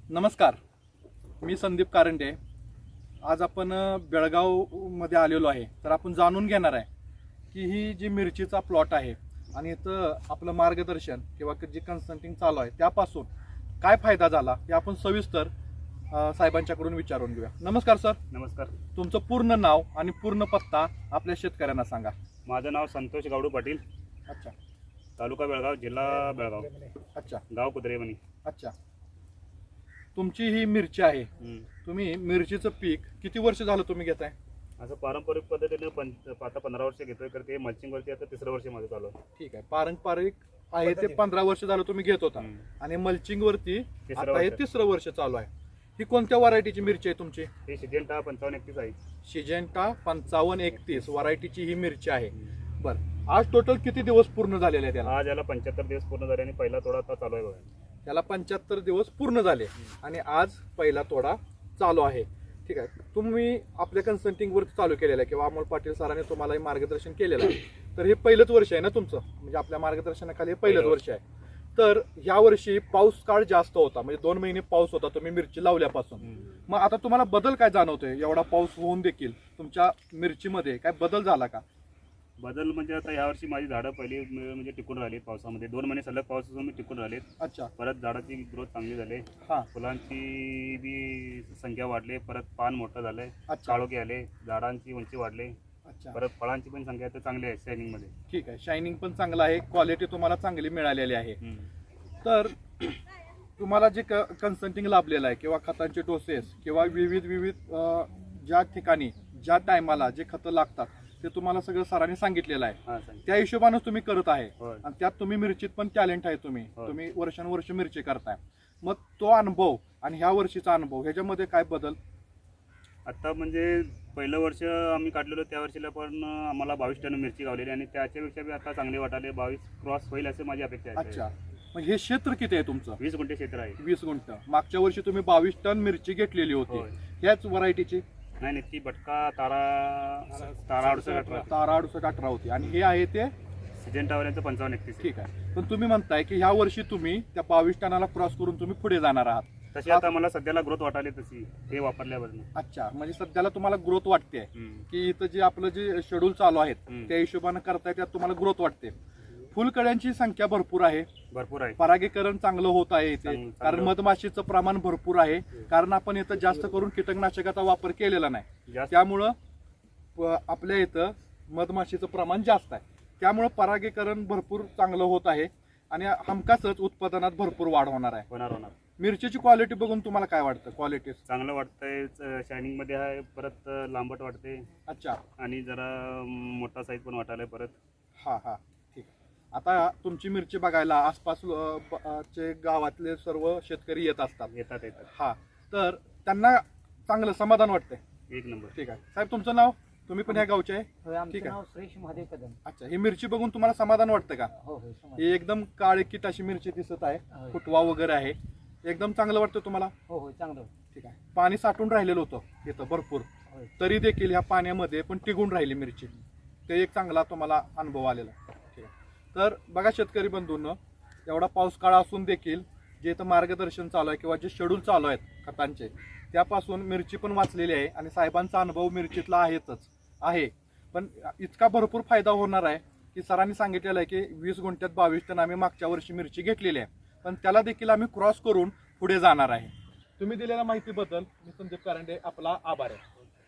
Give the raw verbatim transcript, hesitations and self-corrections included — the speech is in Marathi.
नमस्कार, मी संदीप कारंडे. आज आपण बेळगावमध्ये आलेलो आहे. तर आपण जाणून घेणार आहे की ही जी मिरचीचा प्लॉट आहे आणि इथं आपलं मार्गदर्शन किंवा जी कन्सल्टिंग चालू आहे त्यापासून काय फायदा झाला हे आपण सविस्तर साहेबांच्याकडून विचारून घेऊया. नमस्कार सर. नमस्कार. तुमचं पूर्ण नाव आणि पूर्ण पत्ता आपल्या शेतकऱ्यांना सांगा. माझं नाव संतोष गावडू पाटील. अच्छा. तालुका बेळगाव, जिल्हा बेळगाव. अच्छा. गाव कुत्रेमणी. अच्छा. तुमची ही मिरची आहे. तुम्ही मिरचीचं पीक किती वर्ष झालं तुम्ही घेताय? असं पारंपरिक पद्धतीने पण आता पंधरा वर्ष घेतोय, तर ते मल्चिंग वरती आता तिसरं वर्ष माझं चालू आहे. ठीक आहे. पारंपरिक आहे ते पंधरा वर्ष झालं तुम्ही घेत होता आणि मल्चिंग वरती आता हे तिसरं वर्ष चालू आहे. ही कोणत्या व्हरायटीची मिरची आहे तुमची? ही सिजेंटा पंचावन्न एकतीस आहे. सिजेंटा पंचावन्न एकतीस व्हरायटीची ही मिरची आहे. बरं, आज टोटल किती दिवस पूर्ण झालेले आहेत त्याला? आज याला पंच्याहत्तर दिवस पूर्ण झाले आणि पहिला तोडा आता चालू आहे बघा. त्याला पंच्याहत्तर दिवस पूर्ण झाले आणि आज पहिला तोडा चालू आहे. ठीक आहे. तुम्ही आपल्या कन्सल्टिंग वरती चालू केलेलं आहे किंवा अमोल पाटील सरांनी तुम्हाला हे मार्गदर्शन केलेलं आहे. तर हे पहिलंच वर्ष आहे ना तुमचं, म्हणजे आपल्या मार्गदर्शनाखाली हे पहिलंच वर्ष आहे. तर ह्या वर्षी पाऊस काळ जास्त होता, म्हणजे दोन महिने पाऊस होता तुम्ही मिरची लावल्यापासून. मग आता तुम्हाला बदल काय जाणवतोय? एवढा पाऊस होऊन देखील तुमच्या मिरचीमध्ये काय बदल झाला का? बदल म्हणजे आता यावर्षी माझी झाडं पहिली म्हणजे टिकून राहिली पावसामध्ये. दोन महिने सलग पाऊस असून मी टिकून राहिलेत. अच्छा. परत झाडाची ग्रोथ चांगली झाली. हा. फुलांची बी संख्या वाढली, परत पान मोठं झालंय, अच्छा. काळोखी आले, झाडांची उंची वाढली. अच्छा. परत फळांची पण संख्या आता चांगली आहे शायनिंग मध्ये. ठीक आहे. शायनिंग पण चांगलं आहे, क्वालिटी तुम्हाला चांगली मिळालेली आहे. तर तुम्हाला जे कन्सल्टिंग लाभलेलं आहे किंवा खतांचे डोसेस किंवा विविध विविध ज्या ठिकाणी ज्या टायमाला जे खतं लागतात ते तुम्हाला सगळं सरांनी सांगितलेलं आहे. त्या हिशोबाने तुम्ही करत आहे आणि त्यात तुम्ही मिरचीत पण टॅलेंट आहे. तुम्ही तुम्ही वर्षानुवर्ष मिरची करताय. मग तो अनुभव आणि ह्या वर्षीचा अनुभव ह्याच्यामध्ये काय बदल? आता म्हणजे पहिलं वर्ष आम्ही काढलेलो त्या वर्षीला पण आम्हाला बावीस टन मिरची गावलेली आणि त्याच्यापेक्षा बी आता चांगले वाटाले. बावीस क्रॉस होईल असे माझी अपेक्षा आहे. अच्छा. मग हे क्षेत्र किती आहे तुमचं? वीस गुंठे क्षेत्र आहे. वीस गुंठ. मागच्या वर्षी तुम्ही बावीस टन मिरची घेतलेली होती. ह्याच व्हरायटीची? नाही नाही, ती बटका तारा तारा अडुसष्ट अठरा तारा अडुसष्ट अठरा होती आणि हे आहे ते सिजेंटावाल्यांचं पंचावन्न एकतीस. ठीक आहे. पण तुम्ही म्हणताय की ह्या वर्षी तुम्ही त्या बावीस टनाला क्रॉस करून तुम्ही पुढे जाणार आहात. तशी आता मला सध्याला ग्रोथ वाटाली तशी हे वापरल्यापासून. अच्छा. म्हणजे सध्याला तुम्हाला ग्रोथ वाटते की इथं जे आपलं जे शेड्यूल चालू आहेत त्या हिशोबाने करताय त्यात तुम्हाला ग्रोथ वाटते. फुलकड्यांची संख्या भरपूर आहे. भरपूर आहे. परागीकरण चांगलं होत आहे इथे, कारण मधमाशीचं प्रमाण भरपूर आहे. कारण आपण इथं जास्त करून कीटकनाशकाचा वापर केलेला नाही, त्यामुळं आपल्या इथं मधमाशीचं प्रमाण जास्त आहे. त्यामुळं परागीकरण भरपूर चांगलं होत आहे आणि हमखासच उत्पादनात भरपूर वाढ होणार आहे. होणार होणार. मिरचीची क्वालिटी बघून तुम्हाला काय वाटतं? क्वालिटी चांगलं वाटतंय, शायनिंग मध्ये आहे, परत लांबट वाटते. अच्छा. आणि जरा मोठा साईज पण वाटायला परत. हा हा. ठीक आहे. आता तुमची मिरची बघायला आसपास चे गावातले सर्व शेतकरी येत असतात. येतात येतात. हा. तर त्यांना चांगलं समाधान वाटतंय. एक नंबर. ठीक आहे. साहेब तुमचं नाव? तुम्ही पण ह्या गावचे आहे? ठीक आहे. श्रेष महादेव कदम. अच्छा. ही मिरची बघून तुम्हाला समाधान वाटतं का? हो हो. ही एकदम काळीकीट अशी मिरची दिसत आहे, फुटवा वगैरे आहे, एकदम चांगलं वाटतं तुम्हाला? हो हो, चांगलं. ठीक आहे. पाणी साठून राहिलेलं होतं इथं भरपूर, तरी देखील ह्या पाण्यामध्ये पण टिकून राहिली मिरची. ते एक चांगला तुम्हाला अनुभव आलेला. ठीक आहे. तर बघा शेतकरी बंधूंनो, एवढा पाऊस काळ असून देखील जे इथं मार्गदर्शन चालू आहे किंवा जे शेड्यूल चालू आहेत खतांचे त्यापासून मिरची पण वाचलेली आहे आणि साहेबांचा अनुभव मिरचीतला आहेच आहे. पण इतका भरपूर फायदा होणार आहे की सरांनी सांगितलेलं आहे की वीस गुंठ्यात बावीस टन आम्ही मागच्या वर्षी मिरची घेतलेली आहे, पण त्याला देखील आम्ही क्रॉस करून पुढे जाणार आहे. तुम्ही दिलेल्या माहितीबद्दल मी संदीप कारंडे आपला आभार आहे.